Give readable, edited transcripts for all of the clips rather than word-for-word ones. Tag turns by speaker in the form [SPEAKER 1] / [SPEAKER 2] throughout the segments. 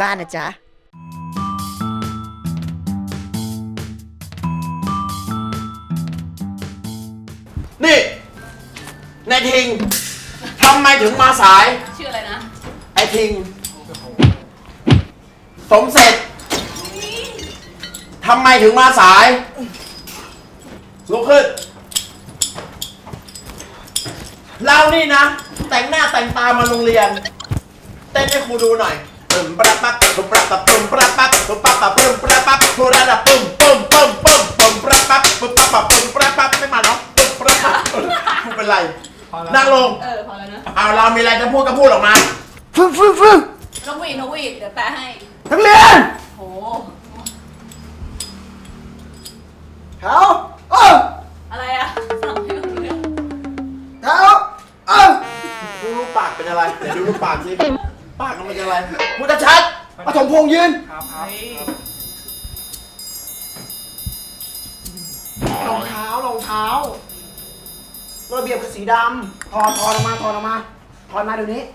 [SPEAKER 1] บ้านนะจ๊ะ
[SPEAKER 2] นี่นายทิงทำไมถึงมาสาย
[SPEAKER 3] ชื่ออะไรนะ
[SPEAKER 2] ไอทิงสมเสร็จทำไมถึงมาสายลุกขึ้นเรานี่นะแต่งหน้าแต่งตามาโรงเรียนเต้นให้ครูดูหน่อยปึ้มปะปั๊บปึ้มปะปั๊บปึ้มปะปั๊บปึ้มปะปั๊บปึ้มปะปั๊บปึ้มระดับปึ้มปึ้มปึ้มปึ้มปึ้มปะปั๊บปึ้มปะปั๊บปึ้มปะปั๊บไม่มาเนาะปึ้มปะปั๊บครูเป็นไรนั่งลง
[SPEAKER 3] พอแล้วนะ
[SPEAKER 2] เอาเรามีอะไรจะพูดก็พูดออกมา
[SPEAKER 1] ฟึ่ง
[SPEAKER 3] นกหวีดเดี๋ยวแปลให้
[SPEAKER 1] นักเรียน
[SPEAKER 3] โห
[SPEAKER 1] เขา
[SPEAKER 3] อะไรอะสั่งให้เราเรื่อง
[SPEAKER 1] เขา
[SPEAKER 2] ดูรูปปากเป็นอะไรเดี๋ยวดูรูปปากสิปากมันเป็นอะไรพูดชัดปฐมพงษ์ยืนรองเท้าระเบียบคือสีดำถอดออกมาถอดมาเดี๋ยวนี้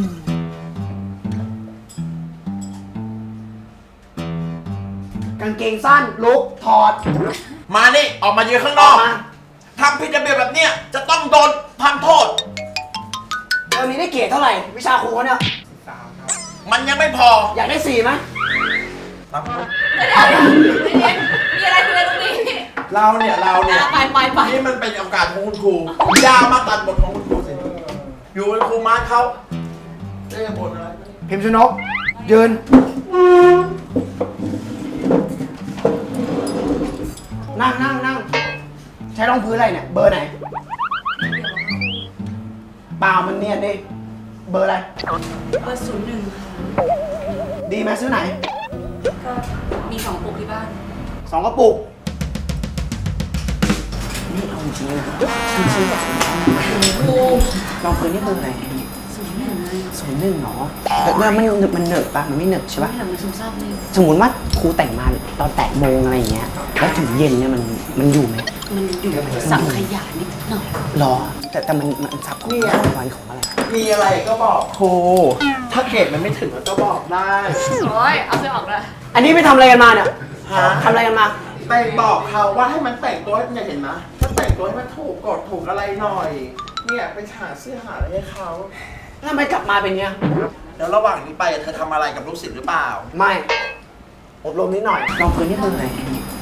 [SPEAKER 2] กางเกงสั้นลุกถอดมานี่ออกมายืนข้างนอกทำผิดระเบียบแบบเนี้ยจะต้องโดนทำโทษ
[SPEAKER 1] เทอมนี้ได้เกรดเท่าไหร่วิชาครูเขาเนี่ย
[SPEAKER 2] มันยังไม่พอ
[SPEAKER 1] อยากได้4ไหม
[SPEAKER 2] ครับ
[SPEAKER 3] มีอะไรคุยกันตรงนี้
[SPEAKER 2] เราเนี่ย
[SPEAKER 3] ไป
[SPEAKER 2] นี่มันเป็นโอกาสของคุณครูยามาตัดบทของคุณครูสิอยู่เป็นครูมาร์คเขาได้บทอะไร
[SPEAKER 1] พิมพ์ชนกยืนนั่งใช้รองพื้นอะไรเนี่ยเบอร์ไหนเปล่ามันเนี่ยดิเบอร์อะไร
[SPEAKER 3] เบอร์01ค่ะ
[SPEAKER 1] ดีไหมซื้อไหน
[SPEAKER 3] ก็มี2 ปุกที่บ้าน
[SPEAKER 1] 2 กระปุกนี่เอาจริงนะซื้อแบบรองพื้นนี่เบอร์อะไร01หรอแล้วมันเหนอะปะมันไม่เหนอะใช่ปะ
[SPEAKER 3] มันซึมซาบนี่
[SPEAKER 1] สมมติว่าครูแต่งมาตอน8 โมงอะไรอย่างเงี้ยแล้วถึงเย็นเนี่ยมันอยู่ไหม
[SPEAKER 3] มันอยู่สับขยะนิดหน่อย
[SPEAKER 1] หรอแต่มันสับของวันของอะไร
[SPEAKER 2] มีอะไรก็บอกครูถ้าเกรดมันไม่ถึงก็บอกได้
[SPEAKER 3] โอ้ยเอาเสื้อออกเลย
[SPEAKER 1] อันนี้ไปทำอะไรกันมาเนี่ยทำอะไรกันมา
[SPEAKER 2] ไปบอกเขาว่าให้มันแต่งตัวให้มันเห็นนะถ้าแต่งตัวให้มันถูกกฎถูกอะไรหน่อยเนี่ยไปหาเสื้อหาอะไรให้เขา
[SPEAKER 1] ทำไมกลับมาเป็นเงี้ย
[SPEAKER 2] แล้วระหว่างนี้ไปเธอทำอะไรกับลูกศิษย์หรือเปล่า
[SPEAKER 1] ไม่อบรมนิดหน่อยลองพื้นนี่เบอร์ไหน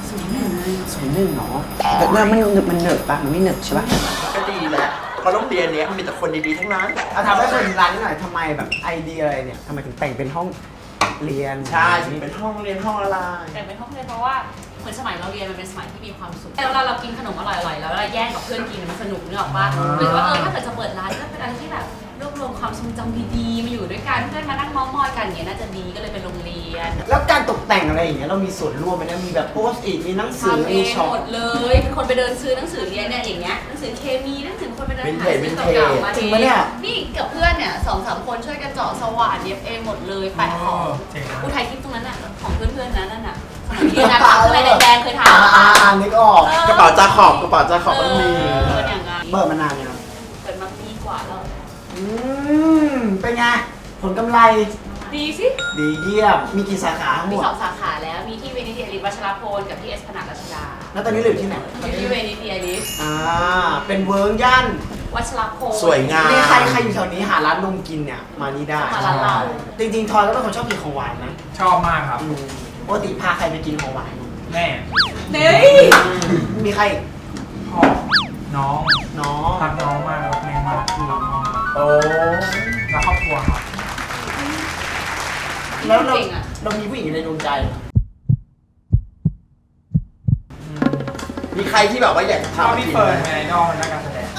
[SPEAKER 1] 01หรอแล้วมันเหนอะปะมันไม่เหนอะใช่ปะ
[SPEAKER 2] ก็ดีแหละเพราะโรงเรียนเนี้ยมันมีแต่คนดีๆทั้งนั้น
[SPEAKER 1] ทำให้คนร้านนิดหน่อยทำไมแบบไอเดียอะไรเนี่ยทำไมถึงแต่งเป็นห้องเรียน
[SPEAKER 2] ใช่ถึงเป็นห้องเรียนห้องอะไร
[SPEAKER 3] แต่เป็นห้องเรียนเพราะว่าเหมือนสมัยเราเรียนมันเป็นสมัยที่มีความสุขแล้วเรากินขนมอร่อยๆแล้วเราแย่งกับเพื่อนกินมันสนุกนึกออกปะหรือว่าถ้าเกิดจะเปิดร้านก็เป็นอะไรที่แบบรวบรวมความทรงจำดีๆมาอยู่ด้วยกันเพื่อนมานั่งเม้าท์มอยกันอย่างเงี้ยน่าจะดีก็เลยเป็นโรงเรียน
[SPEAKER 1] แล้วการตกแต่งอะไรอย่างเงี้ยเรามีส่วนร่วมไหมนะมีแบบโพสต์อีกมีหนังสือมีช็อป
[SPEAKER 3] หมดเลยเป็นคนไปเดินซื้อหนังสือเรียนเนี่ยอย่างเงี้ยหนังสือเคมีหนังสือคนไปเดินหาซื้อเก่าๆมา
[SPEAKER 1] จริงปะเนี่ย
[SPEAKER 3] นี่กับเพื่อนเนี่ย2-3 คนช่วยกันเจาะสว่านเย็บเองหมดเลยแปะของอุทัยทิพย์ตรงนั้นน่ะของเพื่อนๆนั่นน่ะเรียนนะอะไรแดงๆเคยถาม
[SPEAKER 1] นี่ก็ออก
[SPEAKER 2] กระเป๋าจาขอบต้องมี
[SPEAKER 1] เบิร์มานานยัง
[SPEAKER 3] เกิดมาปีกว่าแล้ว
[SPEAKER 1] เป็นไงผลกำไร
[SPEAKER 3] ดีสิ
[SPEAKER 1] ดีเยี่ยมมีกี่สาขาทั้งหม
[SPEAKER 3] มี
[SPEAKER 1] ด
[SPEAKER 3] 2 สาขาแล้วมีที่เวนิเทียริสวัชรพลกับที่เอสพนารัชดา
[SPEAKER 1] แล้วตอนนี้เหลือที่ไหน
[SPEAKER 3] อยู่ที่เวนิเทียริส
[SPEAKER 1] เป็นเวิร์กย่าน
[SPEAKER 3] วัชรพล
[SPEAKER 2] สวยงาม
[SPEAKER 1] นี่ใครอยู่แถวนี้หาร้านนมกินเนี่ยมานี่ได้
[SPEAKER 3] มาร้านเรา
[SPEAKER 1] จริงๆทอยก็เป็นคนชอบกินของหวานนะ
[SPEAKER 4] ชอบมากครับ
[SPEAKER 1] ปกติพาใครไปกินของหวาน
[SPEAKER 4] แม่
[SPEAKER 3] เฮ้ย
[SPEAKER 1] มีใคร
[SPEAKER 4] พ่อน้องรักน้องมากรักแม่มากคือรักน้องโอ้รักครอบครัวครับ
[SPEAKER 1] แล้วเรามีผู้หญิงในดวงใจ
[SPEAKER 2] มีใครที่แบบว่าอยากจะทำ
[SPEAKER 4] พี่เฟิร์นไงน้องนักการแสดง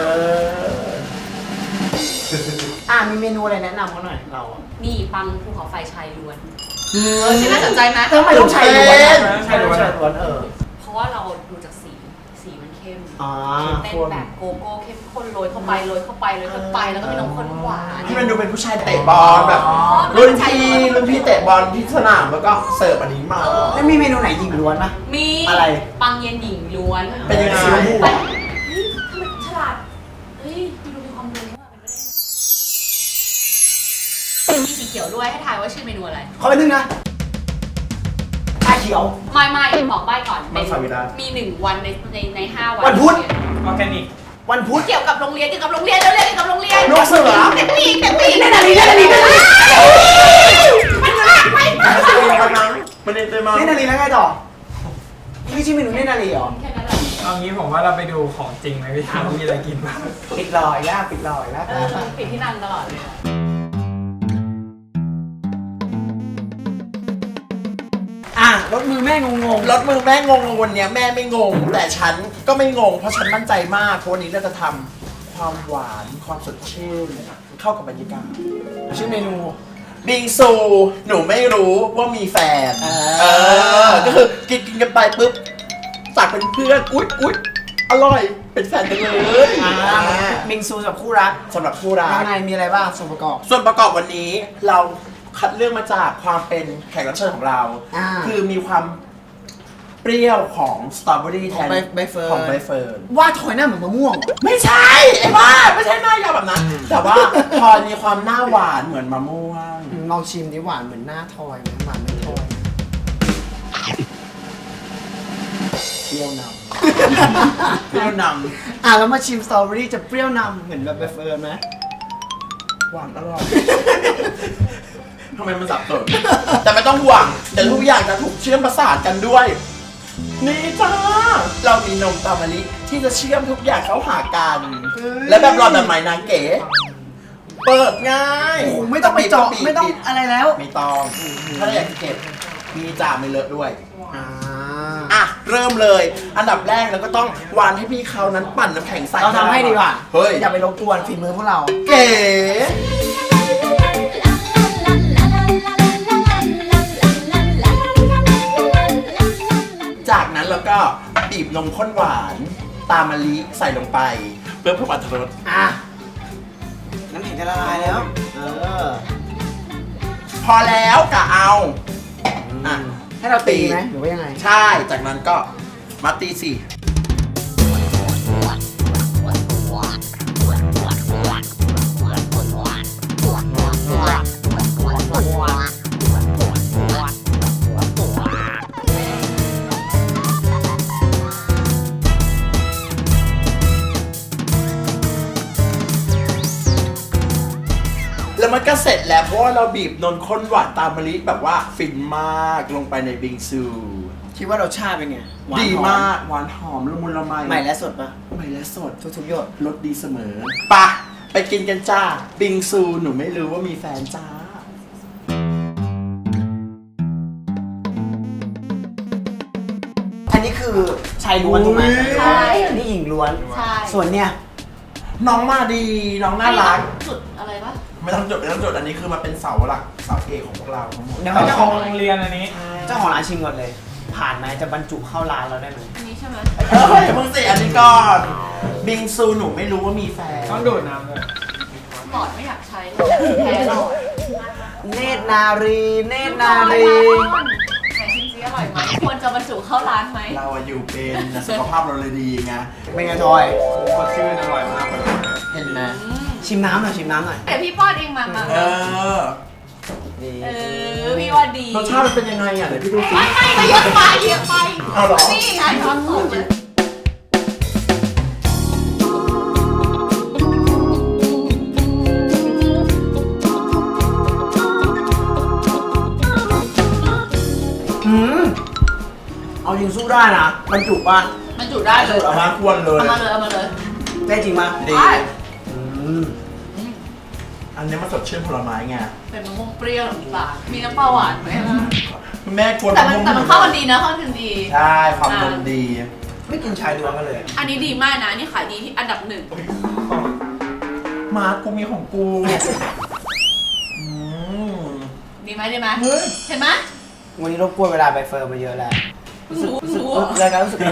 [SPEAKER 1] มีเมนูอะไรแนะนำเขาหน่อยเรา
[SPEAKER 3] มีปังภูเขาไฟชายล้วนชื่อน่าสนใจไหม
[SPEAKER 1] ทำไมต้องชายล้วนชายล้วน
[SPEAKER 3] เพราะว่าเราดูจากสีมันเข้มเป็นแบบโกโก้เข้มข้นโรยเข้าไปแล้วก็มีนมข้นหวาน
[SPEAKER 2] ที่มันดูเป็นผู้ชายเตะบอลแบบรุ่นพี่เตะบอลที่สนามแล้วก็เสิร์ฟอันนี้มา
[SPEAKER 1] แล้วมีเมนูไหนหญิงล้วนปะ
[SPEAKER 3] มี
[SPEAKER 1] อะไร
[SPEAKER 3] ปังเย็นหญิงล้วน
[SPEAKER 2] เป็นยังไง
[SPEAKER 3] เฮ้ยทำไมฉลาดเฮ้ยดูมีความรู้ว่าเป็นไปได้มีสีขียวด้วยให้ทายว่าชื่อเมนูอะไร
[SPEAKER 1] ขอไปนึงนะชาเขียว
[SPEAKER 3] ไม่บอกใบ้ก่อน
[SPEAKER 2] มังสวิรัติ
[SPEAKER 3] มี1 วันใน5 วัน
[SPEAKER 1] วันพุธ
[SPEAKER 4] ออร์แกนิก
[SPEAKER 1] วันพุธ
[SPEAKER 3] เกี่ยวกับโรงเรียนเกี่ยวกับโรงเรียนเกี่ยวกับโรงเรียน
[SPEAKER 1] นกเสือ
[SPEAKER 3] เด็กปีกเด็กปีก
[SPEAKER 1] เล่นอะไรเล่นอะไรเล่นอะไร
[SPEAKER 3] มันลากไป
[SPEAKER 2] มันเอ็นเตมา
[SPEAKER 1] เล่นอะไรแล้วไงต่อไม่ใช่เมนูเล่นอะไรหรอ
[SPEAKER 3] แค่นั้นแหละ
[SPEAKER 4] เอางี้ผมว่าเราไปดูของจริงไหมพี่ว่ามีอะไรกินบ้าง
[SPEAKER 1] ปิดลอยแล้วปิดลอยแล้ว
[SPEAKER 3] ปิดที่นั่นตลอดเลยอะ
[SPEAKER 1] อ่ะรถมือแม่งง
[SPEAKER 2] รถมือแม่งงวันเนี้ยแม่ไม่งง แต่ฉันก็ไม่งงเพราะฉันมั่นใจมากเพราะวันนี้เราจะทำความหวานความสดชื่นเข้ากับบรรยากาศ
[SPEAKER 1] ๆชื่อเมนู
[SPEAKER 2] บิงซูหนูไม่รู้ว่ามีแฟนก็คือกินกันไปปุ๊บจากเป็นเพื่อนอุ๊ยอร่อยเป็นแฟนกันเลย
[SPEAKER 1] บิงซูกับคู่รัก
[SPEAKER 2] สำหรับคู่รัก
[SPEAKER 1] ยังไงมีอะไรบ้างส่วนประกอบ
[SPEAKER 2] ส่วนประกอบวันนี้เราคัดเลือกมาจากความเป็นแขกรับเชิญของเรา
[SPEAKER 1] อ่า
[SPEAKER 2] คือมีความเปรี้ยวของสตรอเบอรี่แทน
[SPEAKER 1] ใบเฟิร์น
[SPEAKER 2] ของใบเฟิร์น
[SPEAKER 1] ว่าถอยหน้าเหมือนมะม่วง
[SPEAKER 2] ไม่ใช่ไอ้บ้าไม่ใช่หน้ายาวแบบนั้น แต่ว่าพอมีความหน้าหวานเหมือนมะม่วง
[SPEAKER 1] ลองชิมดิหวานเหมือนหน้าทอยไหมหวานไม่ทอย
[SPEAKER 2] เปรี้ยวนำ เปรี้ยวน
[SPEAKER 1] อ่ะแล้วมาชิมสตรอเบอรี่จะเปรี้ยวนำเหมือนแบบใบเฟิร์นไหม
[SPEAKER 2] ำหวานอร่อย ทำไมมันสับสนแต่ไม่ต้องห่วงเดี๋ยวทุกอย่างจะถูกเชื่อมประสานกันด้วย นี่จ้า เรามีนมตามะลิที่จะเชื่อมทุกอย่างเข้าหากัน และแบบหลอดแบบใหม่นางเก๋ เปิดง่าย
[SPEAKER 1] โอ้โหไม่ต้องไปเจาะไม่ต้องอะไรแล้ว
[SPEAKER 2] ไม่ต้อง ถ้าอยากจะเก็บ มีจ่าไม่เลอะด้วย
[SPEAKER 1] อ่า
[SPEAKER 2] อ่ะ เริ่มเลย อันดับแรกเราก็ต้องวานให้พี่เขานั้นปั่นน้ำแข็งใส่
[SPEAKER 1] เราทำให้ดีกว่า
[SPEAKER 2] เฮ้ย
[SPEAKER 1] อย่าไปรบกวนฝีมือพวกเรา
[SPEAKER 2] เก๋ จากนั้นเราก็บีบนมข้นหวานตามมะลิใส่ลงไป เพื่อเพิ่มอรรถรส
[SPEAKER 1] อ่ะน้ำแข็งจะละลายแล้ว
[SPEAKER 2] พอแล้วกะเอาอ่ะ
[SPEAKER 1] ให้เราตีไหมหรือว่ายังไง
[SPEAKER 2] ใช่ จากนั้นก็มาตีสิ แล้วมันก็เสร็จแล้วเพราะว่าเราบีบนมข้นหวานตามมะลิแบบว่าฟินมากลงไปในบิงซู
[SPEAKER 1] คิดว่ารสชาติเป็นไงหวาน
[SPEAKER 2] ดี
[SPEAKER 1] หอ
[SPEAKER 2] มากหวานหอมละมุนละไม
[SPEAKER 1] ใหม่และสดปะ
[SPEAKER 2] ใหม่และสด
[SPEAKER 1] ทุกๆหยด
[SPEAKER 2] รสดีเสมอปะไปกินกันจ้า บิงซูหนูไม่รู้ว่ามีแฟนจ้า
[SPEAKER 1] อันนี้คือชายล้วนถูกไหม
[SPEAKER 3] ใช่
[SPEAKER 1] อันนี้หญิงล้วน
[SPEAKER 3] ใช่
[SPEAKER 1] ส่วนเนี่ย
[SPEAKER 2] น้องมาดีน้องน่ารัก
[SPEAKER 3] จุดอะไรปะ
[SPEAKER 2] ไม่ต้องจดไม่ต้องจดอันนี้คือมันเป็นเสาหลักเสาเอกของพวกเราทั้งหมด
[SPEAKER 1] เดี๋ยว
[SPEAKER 4] เอา
[SPEAKER 1] เจ้า
[SPEAKER 4] ข
[SPEAKER 1] ข
[SPEAKER 4] อ
[SPEAKER 1] อง ง
[SPEAKER 4] โรงเรียนอันนี้
[SPEAKER 1] เจ้าของร้านชิมก่อนเลย ผ่านไหมจะบรรจุเข้าร้านเราได้ไหม
[SPEAKER 3] อันนี้ใช่ไหม
[SPEAKER 2] เฮ้ยมึงสิอันนี้ก่อนบิงซูหนูไม่รู้ว่ามีแฟน
[SPEAKER 4] ต้องดูดน้ำเลย
[SPEAKER 3] หลอดไม่อยากใช้แพ้หลอด
[SPEAKER 1] เนตรนารีเนตรนารี
[SPEAKER 3] ไหนชิมซิอร่อยไหมควรจะบรรจุเข้าร้านไหม
[SPEAKER 2] เราอะอยู่เป็นสุขภาพเราเลยดีไง
[SPEAKER 1] เป็นไงทอย
[SPEAKER 4] สดชื่นอร่อยมากเลย
[SPEAKER 2] เห็นไหม
[SPEAKER 1] ชิมน้ำหน่อยชิมน้ำหน่อย
[SPEAKER 3] เดี๋ยวพี่ป้อนเองมา
[SPEAKER 2] เออ
[SPEAKER 1] นี่
[SPEAKER 3] พี่ว่าดี
[SPEAKER 2] รสชาติมันเป็นยังไงอ่ะเดี๋ยวพี่ดูสิ
[SPEAKER 3] ไม่เยอะไปเยอะไป
[SPEAKER 2] เอาเหรอ
[SPEAKER 3] นี่ไงทอดสดเลย
[SPEAKER 1] อืมเอาจริงสู้ได้นะบรรจุป่ะ
[SPEAKER 3] มันจุได้เลย
[SPEAKER 2] เอามาควรเลย
[SPEAKER 3] เอามาเลยเอามาเลย
[SPEAKER 1] ได้จริงป่ะ
[SPEAKER 2] ดี
[SPEAKER 3] ได้
[SPEAKER 1] อืม
[SPEAKER 2] อันนี้มันสดชื่นผลไม้ไง
[SPEAKER 3] เป็นมะม่วงเปรี้ยวต่างๆมีน้ำปลาหวานไหม
[SPEAKER 2] แม่ควร
[SPEAKER 3] แต่มันเข้ากันดีนะเข้ากันดี
[SPEAKER 2] ใช่ความนมดี
[SPEAKER 1] ไม่กินชายล้วนกันเลย
[SPEAKER 3] อันนี้ดีมากนะอันนี่ขายดีที่อันดับ 1
[SPEAKER 2] มากูมีของกูอืม
[SPEAKER 3] ดีไหมดีไหม
[SPEAKER 2] เฮ้ย
[SPEAKER 3] เห็นไหม
[SPEAKER 1] วันนี้รบกวนเวลาไปเฟิร์มมาเยอะแล้ว
[SPEAKER 3] เพิ่งรู้
[SPEAKER 1] รายการรู้สึก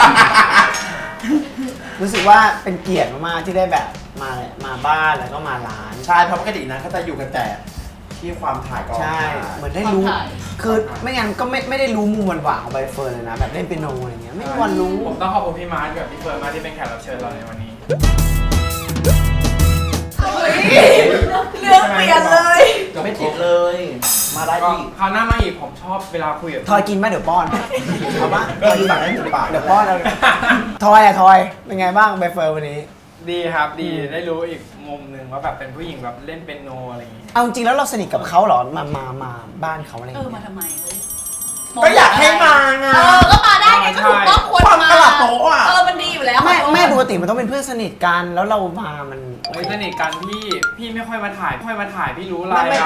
[SPEAKER 1] รู้สึกว่าเป็นเกียรติมากๆที่ได้แบบมาบ้านแล้วก็มาร้าน
[SPEAKER 2] ใช่เพราะปกตินะเขาจะอยู่กันแต่ที่ความถ่ายกอง
[SPEAKER 1] ใช่
[SPEAKER 2] ถ่าย
[SPEAKER 1] เหมือนได้รู้ คือไม่งั้นก็ไม่ได้รู้มุมหวานๆของใบเฟิร์นเลยนะ แบบเล่นเปียโนอะไรเงี้ย ไม่มีวันรู้
[SPEAKER 4] ผมต้องขอบคุณพี่มาร์ทกับพี่เฟิร์นมากที่เป็นแขกรับเชิญเราในวันนี้
[SPEAKER 3] เรื่องเปลี่ยนเลย
[SPEAKER 2] ไม่ติดเลยมาได้
[SPEAKER 4] ก็
[SPEAKER 2] อีก
[SPEAKER 4] คราวหน้ามาอีกผมชอบเวลาคุยกับ
[SPEAKER 1] ทอยกินไหมเดี๋ยวป้อน
[SPEAKER 2] เอาปะก็อยู่ต่างได้ถึงปาก
[SPEAKER 1] เดี๋ยวป้อนเอาทอยอะทอยเป็นไงบ้างใบเฟิร์นวันนี้
[SPEAKER 4] ดีครับดีได้รู้อีกมุมหนึ่งว่าแบบเป็นผู้หญิงแบบเล่นเปียโนอะไรอย่างงี้
[SPEAKER 1] เอาจริงๆแล้วเราสนิทกับเขาเหรอมาบ้านเขาอะไรอย่าง
[SPEAKER 3] เออ
[SPEAKER 1] เงี้
[SPEAKER 3] มาย ทำไมเฮ้ย
[SPEAKER 2] ก็อยากให้มาไง
[SPEAKER 3] ก็มาได้ไงก็ถูกต้องควร
[SPEAKER 2] ความ
[SPEAKER 3] มา
[SPEAKER 2] ตลาดโต๊ะอะ
[SPEAKER 3] มันดีอยู่แล้ว
[SPEAKER 1] ไม่ปกติมันต้องเป็นเพื่อนสนิทกันแล้วเรามามันโอ
[SPEAKER 4] ไม่
[SPEAKER 1] เค
[SPEAKER 4] สนิทกันพี่ไม่ค่อยมาถ่ายพี่รู้อะไร
[SPEAKER 1] ไม่
[SPEAKER 4] อ่ะ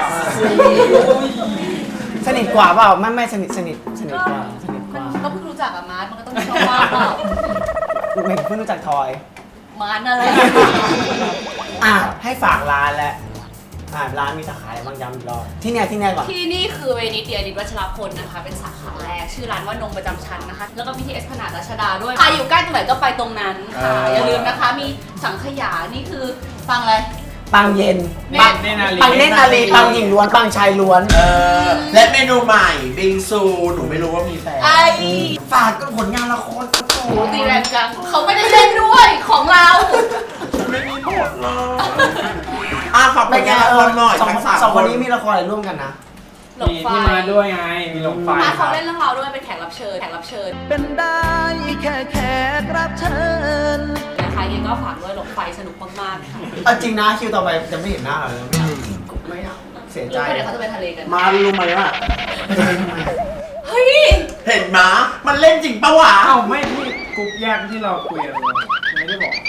[SPEAKER 1] สนิทกว่าเปล่าไม่สนิทกว่าสนิทก
[SPEAKER 3] มัน
[SPEAKER 1] ว่า
[SPEAKER 3] ก็เพิ่งรู้จักกับมาร์ทมันก็ต้องชอบมากเปล่า
[SPEAKER 1] ไม่เพิ่งรู้จักทอย
[SPEAKER 3] มาร์ทอะไร
[SPEAKER 1] อ่ะให้ฝากร้านแล้วร้านมีสาขาอะไรบ้างย้ำอีกรอบที่เนี่ยก่อน
[SPEAKER 3] ที่นี่คือเวนิสเดียดิวัชรพลนะคะ เป็นสาขาแรกชื่อร้านว่านงประจำชั้นนะคะ แล้วก็มีที่เอสพนาดรัชดาด้วยใครอยู่ใกล้ตรงไหนก็ไปตรงนั้นค่ะ อย่าลืมนะคะ มีสังขยานี่คือฟังอะไร
[SPEAKER 1] ปังเย็น
[SPEAKER 4] ปังเนนาลี
[SPEAKER 1] ปังเนตรนาลีปังหญิงล้วนปังชายล้วน
[SPEAKER 2] และเมนูใหม่บิงซูหนูไม่รู้ว่ามีแฟน
[SPEAKER 3] ไอ้
[SPEAKER 2] ฝากกับผลงานละครก็โต
[SPEAKER 3] ตีแรงจังเขาไม่ได้เล่นด้วยของเรา
[SPEAKER 2] ไม่มีบทเลยฝากผลงานละครหน่อยทั้งสาม
[SPEAKER 1] สองคนนี้มีละครอะไรร่วมกันนะ
[SPEAKER 3] หลบ
[SPEAKER 4] มี
[SPEAKER 3] ไฟ
[SPEAKER 4] ที่มาด้วยไงมีหลงไฟ
[SPEAKER 3] มาเขาเล่นเรื่องเราด้วยเป็นแขกรับเชิญ
[SPEAKER 5] เป็นได้แค่แขกรับเชิญ
[SPEAKER 3] นะคะยังก็ฝากด้วยหลบไฟสนุกมากๆค่ะ
[SPEAKER 1] เอาจริงนะคิวต่อไปจะไม่เห็นหน้าเราเลยไม่เอาเสียใจ
[SPEAKER 3] รู้ไหมเดี๋ยวเขาจะไปทะเลกัน
[SPEAKER 2] มารู้ไหมว่า
[SPEAKER 3] เฮ้ย
[SPEAKER 2] เห็นม้ามันเล่นจริงปะวะ
[SPEAKER 4] เอ้าไม่พี่กรุ๊ปแยกที่เราคุยกันเลยไม่ได้บอก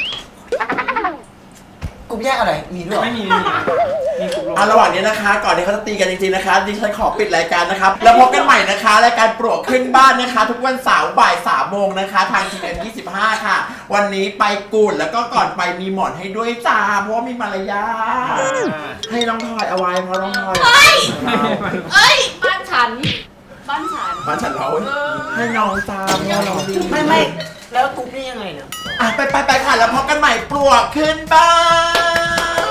[SPEAKER 1] กลุ่มแยกอะไรมีด้วยเหรอ
[SPEAKER 4] ไม่มีมีกรุ๊ปลง
[SPEAKER 2] ระหว่างนี้นะคะ ก่อนที่เขาจะตีกันจริงๆนะคะดิฉันขอปิดรายการนะครับแล้วพบกันใหม่นะคะรายการปลวกขึ้นบ้านนะคะ ทุกวันเสาร์บ่าย3 โมงนะคะทาง GM25 ค่ะ วันนี้ไปกูดแล้วก็ก่อนไปมีหมอนให้ด้วยจ้าเพราะว่ามีมารยาทให้น้องทอยเอาไว้เพราะน้องทอย
[SPEAKER 3] เอ้ยบ้านฉัน
[SPEAKER 2] บ้านฉันเราให้น้องจ้าเพราะว่าน้องดี
[SPEAKER 1] ไม่แล้วกลุ่มนี้ยังไงเนี่ย
[SPEAKER 2] ไปค่ะแล้วพบกันใหม่ปลวกขึ้นบ้าน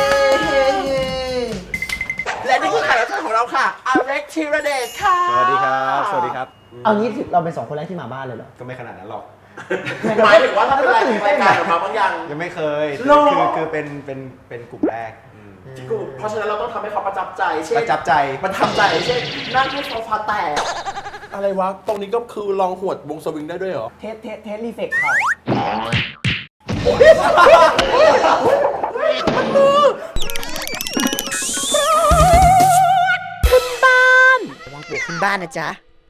[SPEAKER 2] และนี่คือแขกรับเชิญของเราค่ะอเล็กธีรเดชค่ะ
[SPEAKER 6] สวัสดีครับ สวัสดีครับ
[SPEAKER 1] เอางี้เราเป็นสองคนแรกที่มาบ้านเลยเหรอ
[SPEAKER 6] ก็ไม่ขนาดนั้นหรอก
[SPEAKER 2] หมายถึงว่าถ้าเป็นรายการออกมาบางอย่าง
[SPEAKER 6] ยังไม่เคย
[SPEAKER 2] หรอ
[SPEAKER 6] คือเป็นกลุ่มแรก
[SPEAKER 2] เพราะฉะนั้นเราต้องทำให้เขาประจับใจเช่น
[SPEAKER 6] ประจับใจ
[SPEAKER 2] มันทำใจเช่นนั่งให้โซฟาแตกอะไรวะ ตรงนี้ก็คือลองหวดวงสวิงได้ด้วยเหรอ
[SPEAKER 1] เทสรีเฟกเขาขึ้นบ้านระวังปวกขึ้นบ้านนะจ๊ะ